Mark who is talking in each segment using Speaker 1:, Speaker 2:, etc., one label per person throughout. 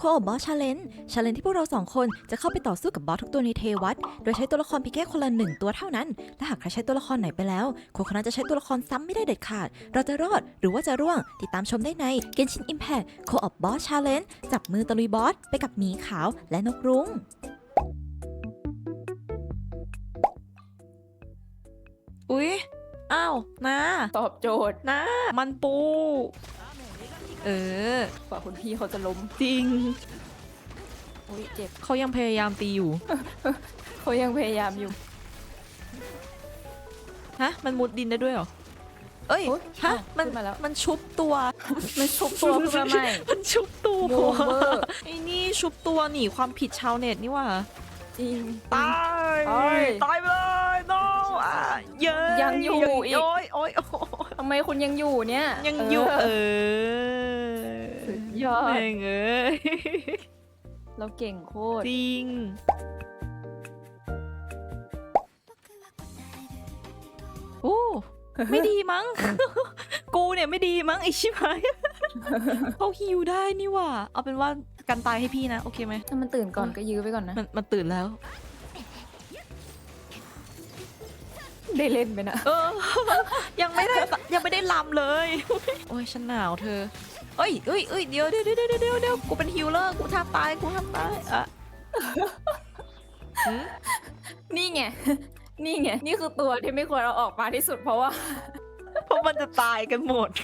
Speaker 1: บอสชาเลนจ์ที่พวกเรา2คนจะเข้าไปต่อสู้กับบอสทุกตัวในเทวัตโดยใช้ตัวละครเพียงแค่คนละ1ตัวเท่านั้นและหากใครใช้ตัวละครไหนไปแล้วคนนั้นจะใช้ตัวละครซ้ำไม่ได้เด็ดขาดเราจะรอดหรือว่าจะร่วงติดตามชมได้ใน Genshin Impact Co-op Boss Challenge จับมือตะลุยบอสไปกับหมีขาวและนกรุ้งอุ๊ยอ้าวนะ
Speaker 2: ตอบโจทย์
Speaker 1: นะมันปู
Speaker 2: กว่าคุณพี่เขาจะล้ม
Speaker 1: จริง
Speaker 2: อุ้ยเจ็บ
Speaker 1: เขายังพยายามตีอยู่
Speaker 2: เขายังพยายามอยู่
Speaker 1: ฮะมันมุดดินได้ด้วยเหรอเอ้ยฮะมันชุบตัว
Speaker 2: มันชุบตัวขึ้นมาใหม่
Speaker 1: มันชุบตัวไอ้นี่ชุบตัวหนีความผิดชาวเน็ตนี่ว่า
Speaker 2: จริง
Speaker 1: ตายไปเลย no
Speaker 2: ยังอยู่อีก
Speaker 1: โอ้ย
Speaker 2: ทำไมคุณยังอยู่เนี่ย
Speaker 1: ยังอยู่
Speaker 2: สุดยอด
Speaker 1: แม่ง
Speaker 2: เราเก่งโคตร
Speaker 1: จริงโอ้ไม่ดีมั้ง กูเนี่ยไม่ดีมั้งไอชิบหายเขาฮิวได้นี่ว่าเอาเป็นว่ากันตายให้พี่นะโอเคไหม
Speaker 2: ถ้ามันตื่นก่อนก็ยื้อไปก่อนนะ
Speaker 1: มันตื่นแล้ว
Speaker 2: ได้เล่นไปนะ
Speaker 1: ยังไม่ได้ลำเลยโอ้ยฉันหนาวเธอเอ้ยเดี๋ยวกูเป็นฮิลเลอร์กูทำตายอ่ะ
Speaker 2: นี่ไงนี่คือตัวที่ไม่ควรเอาออกมาที่สุดเพราะ
Speaker 1: มันจะตายกันหมด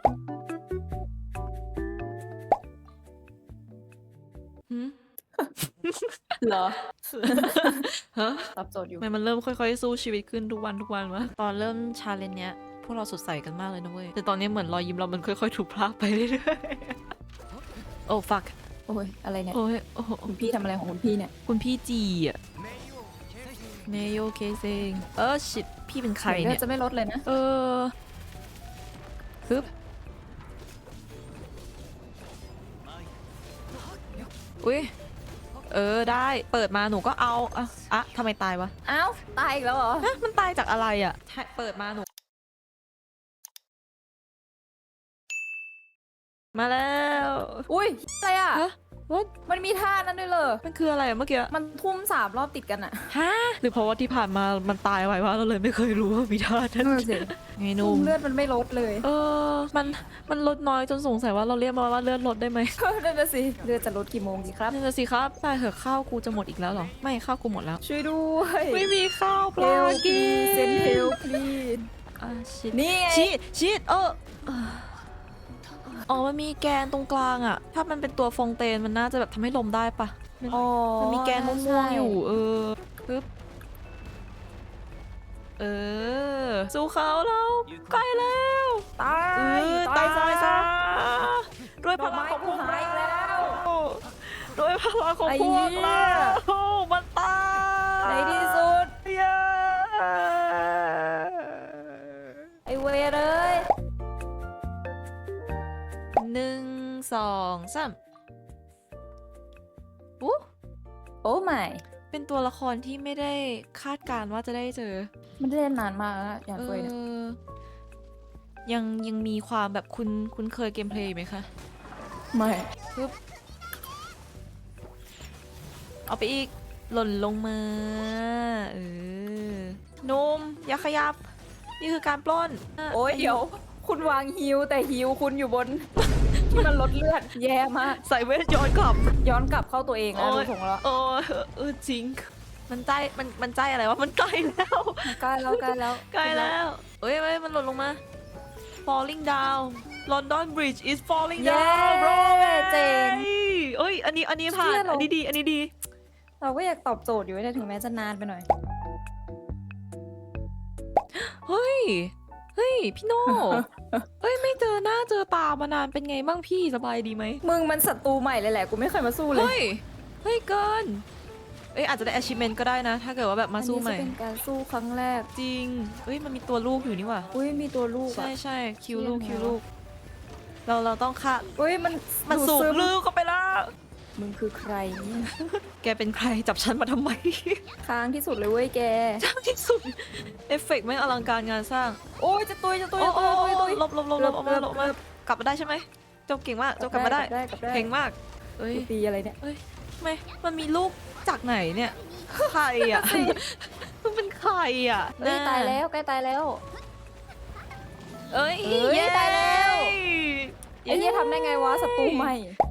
Speaker 2: เหรอ
Speaker 1: ฮะ
Speaker 2: ตอบโจทย์อยู่
Speaker 1: มันเริ่มค่อยๆสู้ชีวิตขึ้นทุกวันวะตอนเริ่มชาเลนจ์เนี้ยพวกเราสดใสกันมากเลยนะเว้ยแต่ตอนนี้เหมือนรอยยิ้มเรามันค่อยๆถูกพรากไปเรื่อยๆโอ้ fuck
Speaker 2: โอ้ยอะไรเนี่ย
Speaker 1: โอ้ย
Speaker 2: คุณพี่ทำอะไรของคุณพี่เนี่ย
Speaker 1: คุณพี่จีอ่ะเนโยเคเซงชิดพี่เป็นใครเนี่ย
Speaker 2: จะไม่ลดเลยนะ
Speaker 1: ฮึบอุ้ยได้เปิดมาหนูก็เอาอะทำไมตายวะ
Speaker 2: อ้าวตายอีกแล้วเหรอ
Speaker 1: มันตายจากอะไรอ่ะเปิดมาหนูมาแล้ว
Speaker 2: อุ้ยอะไรอ่ะมันมีท่านั้นด้วยเลย
Speaker 1: มันคืออะไรเมื่อกี้
Speaker 2: มันทุ่ม3 รอบติดกันอะ
Speaker 1: ฮะหรือเพราะว่าที่ผ่านมามันตายไววะเราเลยไม่เคยรู้ว่ามีท่านั้นไงนุ่ม
Speaker 2: เลือดมันไม่ลดเลย
Speaker 1: มันลดน้อยจนสงสัยว่าเราเรียกมาว่าเลือดลดได้ไหม
Speaker 2: นั่นน่ะสิเลือดจะลดกี่โมงดีครับ
Speaker 1: นั่นน่ะสิครับตายเหอะข้าวกูจะหมดอีกแล้วเหรอไม่ข้าวกูหมดแล้ว
Speaker 2: ช่วยด้วย
Speaker 1: ไม่มีข้าวปลากิน
Speaker 2: เซนเฮลพลีน
Speaker 1: ชิด
Speaker 2: นี่
Speaker 1: ชิดมันมีแกนตรงกลางอะถ้ามันเป็นตัวฟองเตนมันน่าจะแบบทำให้ลมได้ปะมันมีแกนม่วงๆอยู่ปึ๊บสู้เขาแล้วใกล้แล้ว
Speaker 2: ตาย
Speaker 1: ซะด้วยพลังของพวกเราด้วยพลังของพวกเรามันตาย
Speaker 2: ในที่สุดไอเวรเลย
Speaker 1: 1 2 3
Speaker 2: โอ้ไม่
Speaker 1: เป็นตัวละครที่ไม่ได้คาดการว่าจะได้เจอ
Speaker 2: มันได้นานมากแล้วอย่างเฟยเนี่ย
Speaker 1: ยังมีความแบบคุ้นเคยเกมเพลย์ไหมคะ
Speaker 2: ไม่
Speaker 1: ปึ๊บเอาไปอีกหล่นลงมานุ่มอย่าขยับนี่คือการปล้น
Speaker 2: โอ้ยเดี๋ยวคุณวางฮิวแต่ฮิวคุณอยู่บนที่มันลดเลือดแย่มาก
Speaker 1: ใส่เวทย้อนกลับ
Speaker 2: เข้าตัวเองแล้วดูของเรา
Speaker 1: จริงมันใจอะไรวะมันใกล้แล้ว
Speaker 2: ใกล้แล้ว
Speaker 1: เอ้ยมันหล่นลงมา falling down London Bridge is falling down bro
Speaker 2: เจ๋ง
Speaker 1: อันนี้ผ่านอันนี้ดี
Speaker 2: เราก็อยากตอบโจทย์อยู่นะถึงแม้จะนานไปหน่อย
Speaker 1: เฮ้ยพี่โน่ไม่เจอหน้าเจอตามานานเป็นไงบ้างพี่สบายดีไหม
Speaker 2: มึงมันศัตรูใหม่เลยแหละกูไม่เคยมาสู้เลย
Speaker 1: เฮ้ยเกินอาจจะได้ achievement ก็ได้นะถ้าเกิดว่าแบบมาสู้ใหม่
Speaker 2: อันนี้จะเป็นการสู้ครั้งแรก
Speaker 1: จริงมันมีตัวลูกอยู่นี่ว่ะ
Speaker 2: มีตัวลูก
Speaker 1: ใช่คิวลูกเราต้องฆ่า
Speaker 2: มัน
Speaker 1: สูบลูกเข้าไปแล้ว
Speaker 2: มึงคือใครเนี่ย
Speaker 1: แกเป็นใครจับฉันมาทำไม
Speaker 2: ค้างที่สุดเลยเว้ยแก
Speaker 1: ค้างที่สุดเอฟเฟกต์ไม่อลังการงานสร้าง
Speaker 2: โอ้ยจะตุย
Speaker 1: ลบกลับมาได้ใช่ไหมเจ้าเก่งมากเจ้ากลับมาได้เก่งมากเอ้ย
Speaker 2: กูตีอะไรเนี่ย
Speaker 1: ทำไมมันมีลูกจากไหนเนี่ยใครอ่ะมันเป็นใครอ่ะ
Speaker 2: เอ้ยตายแล้วใกล้ตายแล้ว
Speaker 1: เอ้ย
Speaker 2: เอ้ยตายแล้ว ไอ้เหี้ยทำได้ไงวะศัตรูใหม่